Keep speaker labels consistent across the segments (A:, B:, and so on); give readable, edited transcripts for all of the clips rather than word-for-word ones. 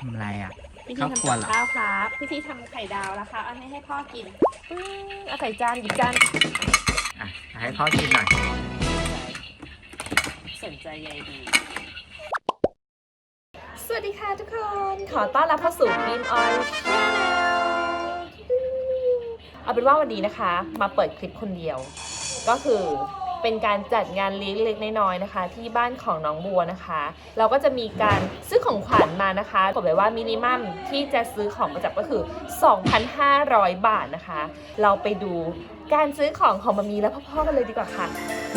A: ทำอะไรอ่ะ
B: พี่ทีทำกับข้าวครับพี่ทีทำไข่ดาวแล้วค่ะเอาให้พ่อกินเอาใส่จานหยิบจาน
A: อ่ะให้พ่อกินหน่อย
B: สนใจใยดีสวัสดีค่ะทุกคน ขอต้อนรับเข้าสู่ Beam Oil Channel เอาเป็นว่าวันนี้นะคะมาเปิดคลิปคนเดียว ก็คือเป็นการจัดงานเลี้ยงเล็กน้อยๆนะคะที่บ้านของน้องบัวนะคะ เราก็จะมีการซื้อของขวัญมานะคะบอกเลยว่ามินิมัมที่จะซื้อของประจับก็คือ 2,500 บาทนะคะ เราไปดูการซื้อของมามีและพ่อๆกันเลยดีกว่าค่ะ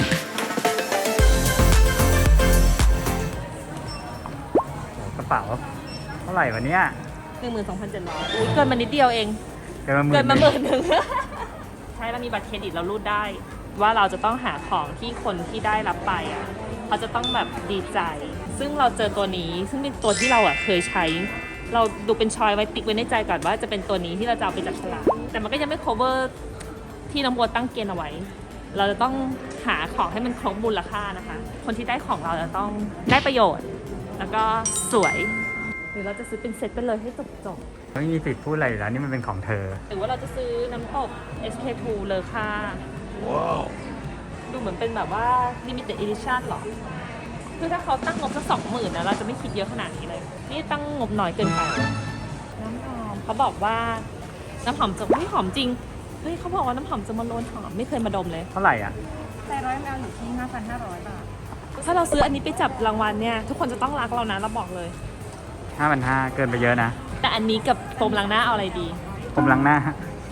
A: กระเป๋าเท่าไหร่วะเนี่ย
B: 12,700 อุ้ยเกินมานิดเดียวเอง
A: เกินมา
B: 10,000 ใช่เรามีบัตรเครดิตเรารูดได้ ว่าเราจะต้องหาของที่คนที่ได้รับไปอ่ะเขาจะต้องแบบดีใจ ซึ่งเราเจอตัวนี้ซึ่งเป็นตัวที่เราอ่ะเคยใช้ เราดูเป็นชอยไว้ติ๊กไว้ในใจก่อนว่าจะเป็นตัวนี้ที่เราจะเอาไปจับฉลากแต่มันก็ยังไม่ cover ที่น้องบัวตั้งเกณฑ์เอาไว้ เราจะต้องหาของให้มันครบมูลค่านะคะ คนที่ได้ของเราจะต้องได้ประโยชน์ แล้วก็สวยหรือเราจะซื้อเป็นเซตไปเลยให้จบ
A: ไม่มีสิทธิ์พูดอะไรอยู่แล้วนี่มันเป็นของเธอ
B: หรือว่าเราจะซื้อน้ำตก SK2 เลอค่าว้าวดูเหมือนเป็นแบบว่า limited edition หรอ คือถ้าเขาตั้งงบสัก20,000นะเราจะไม่คิดเยอะขนาดนี้เลย นี่ตั้งงบน้อยเกินไป น้ำหอมเขาบอกว่าน้ำหอมจะไม่หอมจริง เฮ้ยเขาบอกว่าน้ำหอมจะมาโลนหอมไม่เคยมาดมเลย
A: เท่าไหร่อ่ะ
B: แต่100 ml อยู่ที่ 5,500 บาท ถ้าเราซื้ออันนี้ไปจับรางวัลเนี่ยทุกคนจะต้องรักเรานะเราบอกเลย
A: 5,500เกินไปเยอะนะ
B: แต่อันนี้กับโฟมล้างหน้าเอาอะไรดี
A: ผมล้างหน้า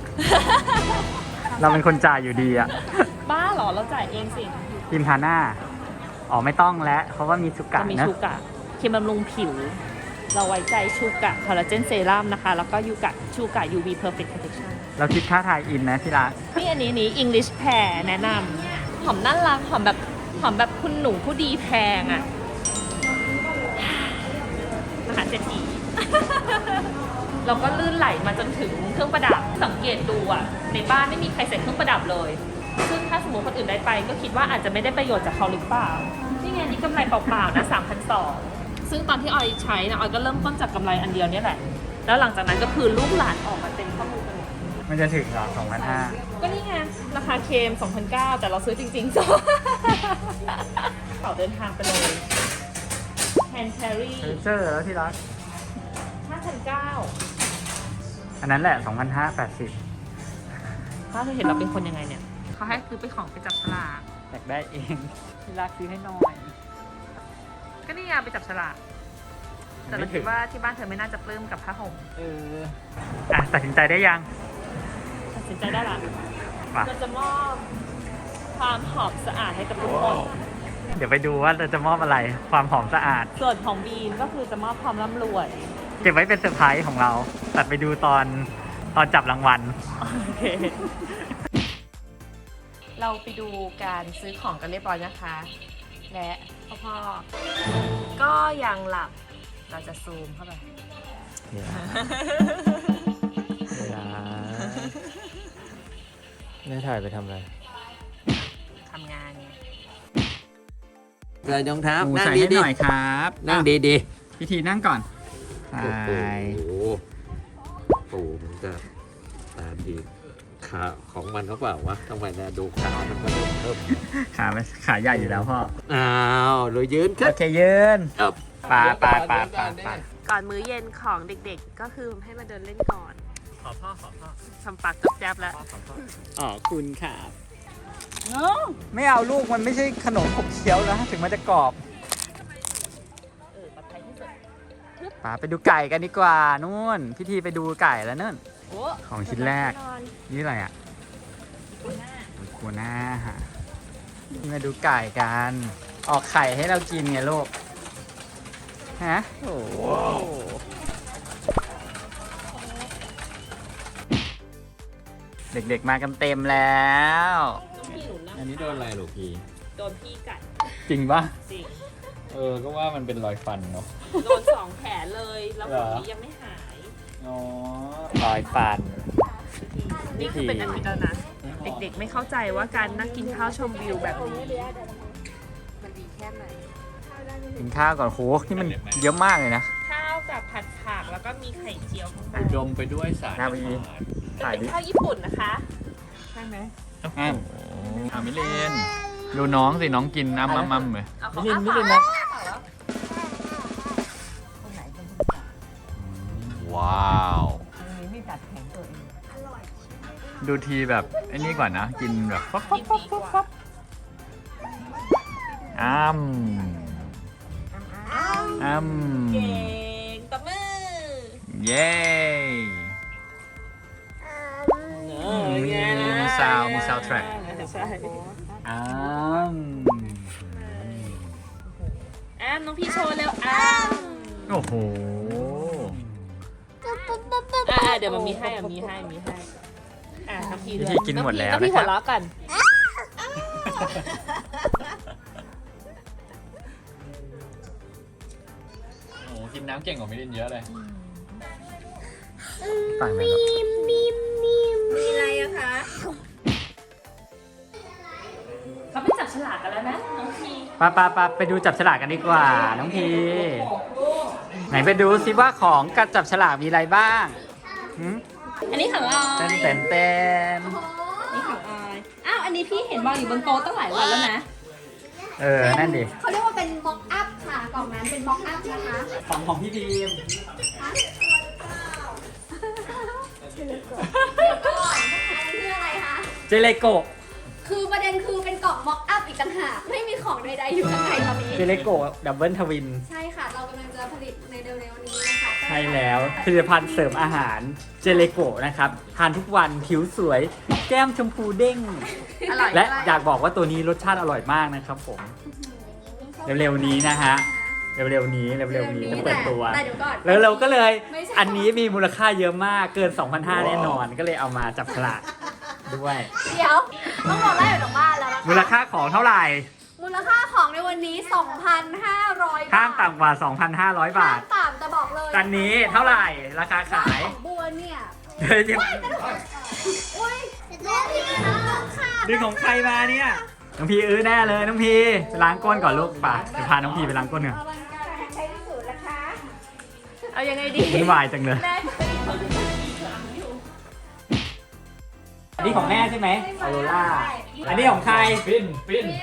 A: เราเป็นคนจ่ายอยู่ดีอ่ะ
B: บ้าเหรอเราจ่ายเองสิ
A: ครีมทาหน้าอ๋อไม่ต้องแล้วเพราะว่ามีชูกะ
B: จะมี
A: นะ
B: ชูกะครีมบำรุงผิว เราไว้ใจชูกะคอลลาเจนเซรั่มนะคะ แล้วก็ชูกะ UV Perfect Protection
A: เราคิดค่าถ่ายอินนะที่ร้าน
B: นี่อันนี้ English Pear แนะนำหอมน่ารักหอมแบบคุณหนูผู้ดีแพงอ่ะมหาเศรษฐี เราก็ลื่นไหลมาจนถึงเครื่องประดับสังเกตดูอ่ะในบ้านไม่มีใครใส่เครื่องประดับเลยซึ่งถ้าสมมติคนอื่นได้ไปก็คิดว่าอาจจะไม่ได้ประโยชน์จากเขาหรือเปล่านี่ไงนี่กำไรเปล่าๆนะ3,200ซึ่งตอนที่ออยใช้นะออยก็เริ่มต้นจากกำไรอันเดียวนี่แหละแล้วหลังจากนั้นก็คือลูกหลานออกมาเต็มข้อมูลกันหมด
A: มันจะถึงเหรอ2,500
B: ก็นี่ไงราคาเคม 2,900 แต่เราซื้อจริงๆเป่าเดินทางไปเลยแฮนด์แครี่
A: เจอแล้วที่ร้าน
B: 5,900
A: อันนั้นแหละ2,580
B: ถ้าเธอเห็นเราเป็นคนยังไงเนี่ยเขาให้ซื้อไปของไปจับฉลาก
A: อยากได้เองที่รักซื้อให้หน่อย
B: ก็นี่ไงไปจับฉลากแต่เราคิดว่าที่บ้านเธอไม่น่าจะปลื้มกับผ้าห่ม
A: ตัดสินใจได้ยัง
B: ตัดสินใจได้ละ
A: มา
B: เราจะมอบความหอมสะอาดให้กับทุกคน
A: เดี๋ยวไปดูว่าเราจะมอบอะไรความหอมสะอาด
B: ส่วนของบีมก็คือจะมอบความร่ำรวย
A: เก็บไว้เป็นเซอร์ไพรส์ของเราตัดไปดูตอนจับรางวัล
B: โอเค เราไปดูการซื้อของกันเรียบร้อยนะคะ และพ่อก็ยังหลับ เราจะซูมเข้าไป
C: ไม่ถ่ายไปทำอะไร
B: ทำงานไง
C: เกิดรองเท้า นั่ง
A: ใส่
C: ดี
A: ให้
C: ดี
A: หน่อยครับ
C: นั่งดีดี
A: พิธีนั่งก่อน
C: โอ้โหปู่มันจะตามดีขาของมันเขาเปล่าวะทำไมนะดูขามันก็เริ่ม
A: ขาใหญ่อยู่แล้วพ่อ
C: อ้าวเลยยืนขึ้
A: โอน เคยืน
C: ครับ
A: ปา
B: ก่อนมื้อเย็นของเด็กๆ ก็คือให้มาเดินเล่นก่อน
A: ขอพ่อ
B: ทำปากจับแจ๊บแล้ว
A: อ๋อคุณครับไม่เอาลูกมันไม่ใช่ขนมขบเคี้ยวนะถึงมันจะกรอบ
B: ปลอดภัยที่สุด
A: ป่าไปดูไก่กันดีกว่านู่นพิธีไปดูไก่แล้วนู่น
B: โอ้
A: ของชิ้นแรก นี่อะไรอ่ะกัวหน้าฮะมาดูไก่กัน ออกไข่ให้เรากินไงลูก ฮะ โอ้โหเด็กๆมากันเต็มแล้ว
B: ต้องพี่หนุนนะ
C: อันนี้โดนอะไรหรอพี่
B: โดนพี่กัด
A: จริงปะ
B: จริง
C: ก็ว่ามันเป็นรอยฟันเนาะ
B: โดน2 แผลเลย แล้วผลนี้ยังไม่หาย
C: อ๋อ
A: รอยฟัน
B: นี่คือเป็นอาทิตย์แล้วนะ เด็กๆไม่เข้าใจว่าการนั่งกินข้าวชมวิวแบบนี้ มันดีแค่ไหน
A: กินข้าวก่อนโหนี่มันเยอะมากเลยนะ
B: ข้าวกับผัดผักมีไข่เจียวข้างบ
C: อุ
B: น
C: ดมไปด้วยสาร
A: นาวี ถ่าย
B: เป็น
A: ดิ
B: ข้าวญี่ปุ่นนะคะใช่ไหม
A: อ้าวมิเลนดูน้องสิน้องกินอ้ำเลย
B: เอาของ
A: มิลิน
B: อ้า
A: นะ
B: ปากแล้ว
A: ว้าวดูทีแบบไอ้นี่ก่อนนะ กินแบบฟับฟับฟับฟับฟับอ้ำ
B: เก่งตบมือ
A: เย้ มีซาวด์มี soundtrack
B: ใช่
A: อ้ำ
B: น้องพี่โชว์เร็ว
A: โอ้โห
B: เดี๋ยวมันมีให้น้องพี่
A: พี่กินหมดแล้ว
B: น้องพี่
A: นะค
B: หั
A: รับ
B: วเราะกัน
A: โอ้กินน้ำเก่งกว่ามิลินเยอะเลย
B: มีอะไรอะคะเขาไปจับฉลากกันแล้วนะน้องพี่
A: ไปดูจับฉลากกันดีกว่า น้องพี ไหนไปดูซิว่าของกับจับฉลากมีอะไรบ้างหืม
B: อันนี้ของออย
A: เต้น
B: นี่ของออยอ้าวอันนี้พี่เห็นวางอยู่บนโต๊ะตั้งหลายวันแล้วนะ
A: นั่นดิ
D: เขาเรียกว่าเป็นม็อกอัพค่ะ กล่องนั้นเป็นม็อกอัพนะคะ
A: ของพี่บีม
D: คืออะไรคะ
A: เจเลโกะ
D: คือประเด็นคือเป็นกล่องม็อกอัพอีกต่างหาก ไม่มีของใดๆอยู่ข้างในตอนนี้
A: เจเลโกะดับเบิลทวิน
D: ใช่ค่ะ เรากำลังจะผลิตในเร็วๆนี้นะคะ
A: ใช่แล้วผลิตภัณฑ์เสริมอาหารเจเลโกะนะครับ ทานทุกวันผิวสวย แก้มชมพูเด้ง
B: อร่อย
A: และอยากบอกว่าตัวนี้รสชาติอร่อยมากนะครับผม เร็วๆนี้นะฮะ เร็วๆนี้จะเปิดตัว
D: แต่เดี๋ยวก่อน
A: แล้วเราก็เลย
D: ไม่ใช่
A: อันนี้มีมูลค่าเยอะมากเกิน 2,500 แน่นอน ก็เลยเอามาจับฉลากด้วย
D: เดี๋ยวต้องบอกได้อยู่ตรงบ้านแล้วนะคะ
A: มูลค่าของเท่าไหร่
D: มูลค่าของในวันนี้ 2,500 บาท
A: ห้ามต่ำกว่า 2,500 บาท
D: ห้มต่ำจะบอกเลย
A: ตันนี้เท่าไหร่ราคาขาย
D: ของบัวเนี่ย
A: เดี๋ยวจะ
D: อุ้ยแม่พี่น้องค่ะ
A: ดึงของใครมาเนี่ยน้องพีแน่เลยน้องพีไปล้างก้นก่อนลูกป่ะจะพาน้องพีไปล้างก้นเถอะ
D: อลังการใช้ที่สุดนะคะ
B: เอายังไงดี
A: วุ่นวายจังเลย
B: แม่
A: อันนี้ของแม่ใช่ไหมออโรล่าอันนี้ของใครฟิน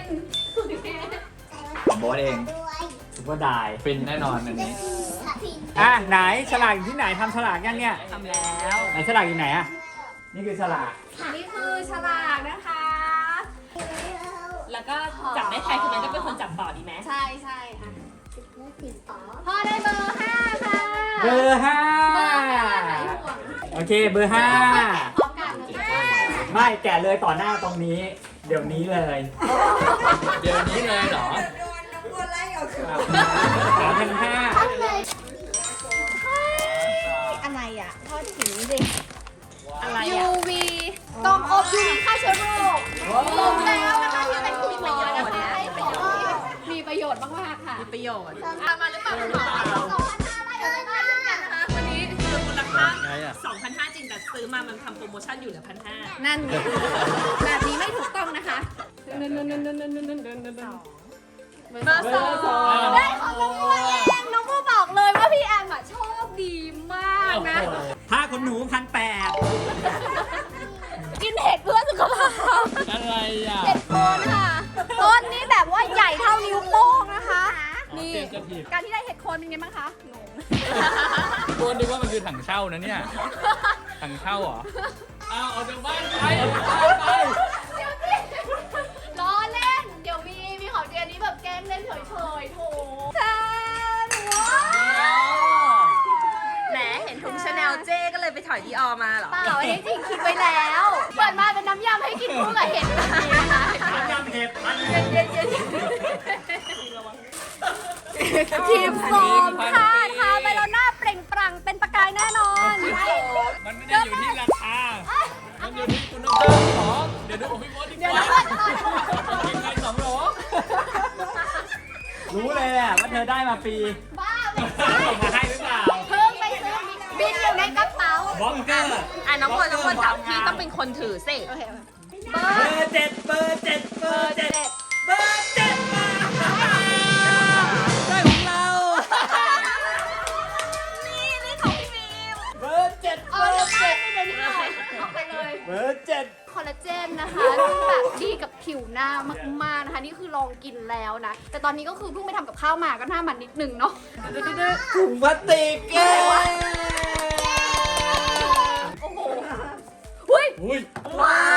A: ของโบ๊ทเองซุปเปอร์ไดฟินแน่นอนอันนี้ไหนฉลากอยู่ที่ไหนทำฉลากยังเนี่ย
B: ทำแล้ว
A: ไหนฉลากอยู่ไหนอ่ะนี่คือฉลาก
D: นี่คือฉลากนะคะ
B: แล้วก็จับได้ใครคนนั้นก็เป็นคนจับต่อดีไหม
D: ใช่ใช่อ่ะพ่อได้เบอร์ 5 ค่ะ
A: เบอร์ห้า
D: เบอร์5ไหนห่วง
A: โอเคเบอร์ห้า
D: พร้อมกันนะ
A: ไม่แกะเลยต่อหน้าตรงนี้ เดี๋ยวนี้เลย
C: เดี๋ยวนี้เลยเหรอ
A: 3,500
D: อะไรอ่ะทอดถึงดิ
B: อะไรอ่ะ
D: UV กล่องอบ UV ฆ่าเชื้อโรคลงแล้วนะคะที่เป็นคุณหมอนะคะให้ประโยชน์มีประโยชน์มากๆค่ะ
B: มีประโยชน์เอามาหรือเปล่าคุณหมอ
D: 2,500อะไรได้เช่นกันนะคะ
B: วันนี้คือมูลค่า
C: ไงอ่ะ
B: 2,500 จริงแต่ซื้อมามันทำโปรโมชั่นอยู่เหลือ 1,500
D: นั่นไงแบบนี้ไม่ถูกต้องนะคะ
B: เบอร์สอง
D: ได้ของน้องบัวเองน้องบัวบอกเลยว่าพี่แอมอะโชคดีมากนะ
A: ผ้าขนหนู1,800
D: กินเห็ดเพื่อสุขภาพ
C: อะไรอ่ะ
D: เห็ดโคนค่ะต้นนี้แบบว่าใหญ่เท่านิ้วโป้งนะคะ นี่
C: เตรียมจะถีบ
D: การที่ได้เห็ดโคนเป็นไงบ้างคะงง
C: ตัวนึกว่ามันคือถังเช่านะเนี่ย ถังเช่าเหรออ้าวออกจากบ้านไปไป
D: เดี๋ยวสิล้อเล่น เดี๋ยวมีของเจนนี้แบบแกล้งเล่นเฉยๆโถแทนว้าว
B: แหมเห็นถุงชาแนลเจ้ก็เลยไปถอยดีออมาเหรอ
D: เปล่าอันนี้จริงคิดไว้แล้วเปิดมาเป็นน้ำยำให้กินคู่กับเห็ดแบบนี้นะคะ
A: น้ำยำเห็ดพัน
D: เย็นทีมโฟมค่ะทาไปแล้วหน้าเปล่งปลั่งเป็นประกายแน่นอน
C: มันไม่ได้อยู่ที่ราคา มันอยู่ที่คุณภาพของ เดี๋ยวดูของพี่โบ๊ทดีกว่ากินไป2 โหล
A: รู้เลยแหละว่าเธอได้มาฟรี
D: บ้าไม่
A: ส่งมาให้หรือเปล่า
D: เพิ่งไปซื้อบินอยู่ในกระเป๋า
A: บล็อกเกอร์
B: น้องคนจับพี่ต้องเป็นคนถือสิ
D: โอเค
A: เบอร์เจ็ดเบอร์เจ็ดเบอร์เจ็ดเบอร์เจ็ดมาได้ของเรา
D: นี่ของพี่บีม
A: บอร์ 7
D: คอลลาเจนนะคะซึ่งแบบดีกับผิวหน้ามากๆนะคะ นี่คือลองกินแล้วนะ แต่ตอนนี้ก็คือเพิ่งไปทำกับข้าวมาก็หน้ามันนิดนึงเนาะ
A: ถุงพลาสติกเย้
D: โอ้โหเฮ้ย
C: อุ้ย
A: ว้าว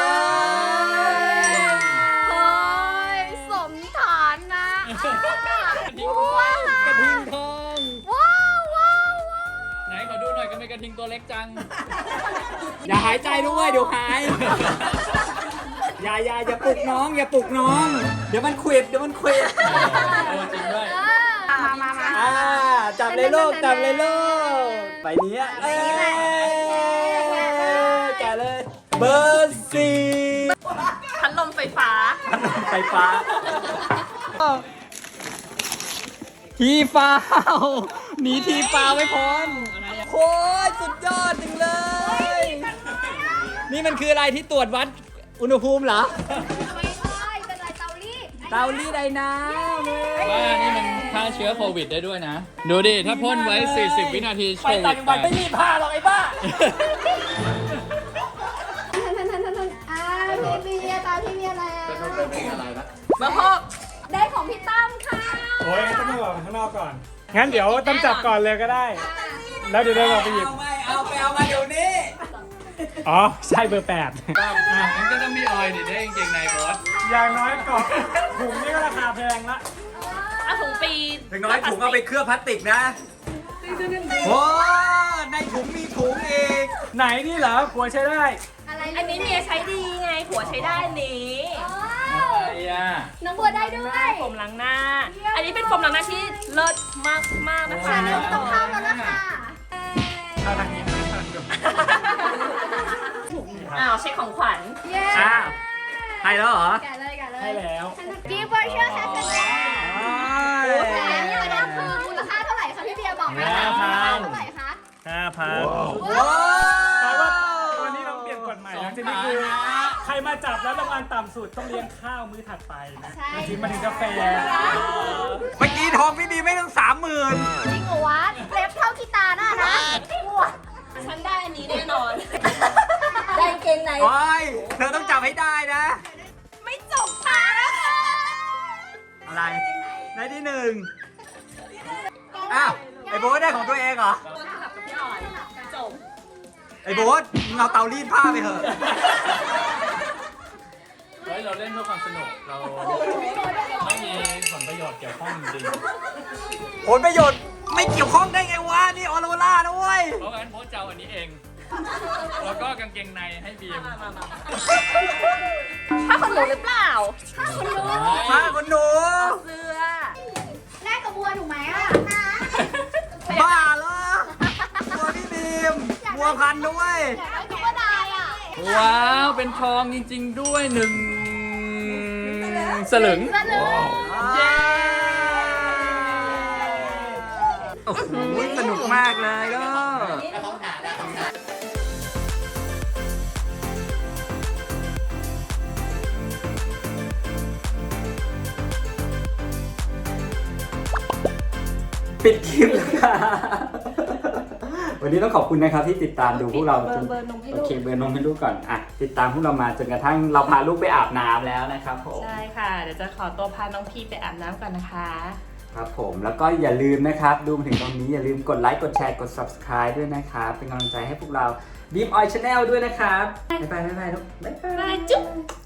D: เฮ้ยสมฐานนะว้าว
C: กระทิงทอง
D: ว้าวว้าวว้าว
C: ไหนขอดูหน่อยก็ไม่กระทิงตัวเล็กจัง
A: อย่าหายใจด้วยเดี๋ยวหาย อย่าปลุกน้อง อย่าปลุกน้อง เดี๋ยวมันควิด
C: จริงด้วย
D: มา
A: จับเลยลูกจับเลยลูกไปนี้แกะเลย เบอร์ 4
B: พัดลมไฟฟ้า
A: ไฟฟ้า ทีฟ้าวหนีทีฟ้าไม่พ้นโคตรสุดยอดจริงเลย นี่มันคืออะไรที่ตรวจวัดอุณหภูมิเหรอ
D: ไม่ใช่เป็นไรเตารีด
A: เตารีดไอ้น้ำเลย
C: ว่านี่มันฆ่าเชื้อโควิดได้ด้วยนะ ดูดิ ถ้าพ่นไว้ 40 วินาทีโค
A: ไป
C: วิ
A: ต่า
C: ด
A: งจังหวัดไม่รีดผ้าหรอกไอ้บ้า
D: พี่เบียร์ตามพี่เบียร์แล้ว
B: มาพบ
D: ได้ของพี่ตั้มค่ะ
E: โอ้ยต้องออกข้างนอกก่อน งั้นเดี๋ยวต้องจับก่อนเลยก็ได้ แล้วเดี๋ยวเดินออกไปหยิบ
A: เอามาเดี๋ยวนี้
E: อ๋อ ใช่เบอร์
C: มันก็ต้องมีออยล์ดิได้จริงๆในบอส
E: 8 อย่างน้อยกล่องถุงนี่ก็ราคาแพงละ
B: เอาถุงปี
A: ถึงน้อยถุงเอาไปเคลือบพลาสติกนะโอ้ในถุงมีถุงอีก
E: ไหนนี่เหรอหัวใช้ได้
D: อะไร
B: อันนี้เมียใช้ดีไง ผัวใช้ได้อันนี้
C: ไอ้ย่า
D: น้องบัวได้ด้วย
B: โฟมล้างหน้า อันนี้เป็นโฟมล้างหน้าที่เลิศมากมากๆนะคะ
D: ต้องเข้าแล้วนะคะ
E: ถ้าทางนี้
B: อ้าวเช็คของขวัญ
D: เย้
A: อ้าวให้แล้วเหรอ
D: แกะเลยแกะเลย
E: ให้แล้ว
D: กีบเวอร์ชวลแฮชแท็กแหมนี่ประเด็นคือมูลค่าเท่าไหร่คะพี่เบียร์บอกไหมคะมูลค่าเท่าไหร่คะ
E: 5,000
A: ว้า
E: แต่ว่าตอนนี้เราเปลี่ยนกฎใหม่หลังจากนี้คือใครมาจับแล้วรางวัลต่ำสุดต้องเลี้ยงข้าวมื้อถัดไปนะมาถึงกาแฟ
A: เมื่อกี้ทองพี่บีไม่ต้อง30,000
D: จริงเหรอวะเล็บเท่ากีตาร์น่ะนะ
B: ฉันได้อันนี้แน่นอน ได้เกงใน
A: โอ้ยเธอต้องจับให้ได้นะ
B: ไม่จบค่ะ
A: อะไรได้ที่ 1 อ้าว ไอ้โบ๊ทได้ของตัวเองเหรอ
B: ตัวสลับกับพี่ออยจบ
A: ไอ้โบ๊ทมึงเอาเตารีดผ้าไปเถอะ
C: เฮ้ย เราเล่นเพื่อความสนุก เราไม่มีผลประโยชน์เกี่ยวข้องจริง
A: ผลประโยชน์ไม่เกี่ยวข้องได้ไงวะ นี่ออโรล่านะเว้ย
C: เพราะงั้นโพสเจ้าอันนี้เอง แล้วก็กางเกงในให้บีม
B: ถ้าคนหนูหรือเปล่า
A: มาคนหนู
B: เสื้อ
D: แลกกับบัวถูกไหมอ่ะ
A: บ้าเหรอบัวพี่บีมบัวพันธุ์ด้วย
D: อยากได้ตุ๊กตาอ่ะ
C: ว้าว เป็นทองจริง ๆ ด้วย1 สลึง
D: สลึง
A: เย้โอ้โหสนุกมากเลยก็ปิดคลิปแล้วค่ะวันนี้ต้องขอบคุณนะครับที่ติดตามดูพวกเราจนโอเคเบอร์นมให้ลูกก่อนอ่ะติดตามพวกเรามาจนกระทั่งเราพาลูกไปอาบน้ำแล้วนะครับผม
B: ใช่ค่ะ เดี๋ยวจะขอตัวพาน้องพีไปอาบน้ำก่อนนะคะ
A: ครับผมแล้วก็อย่าลืมนะครับดูมาถึงตรงนี้อย่าลืมกดไลค์กดแชร์กด subscribe ด้วยนะครับเป็นกำลังใจให้พวกเรา Beam Oil Channel ด้วยนะครับบ๊ายบายลูกบ๊ายบาย
B: บายจุ๊บ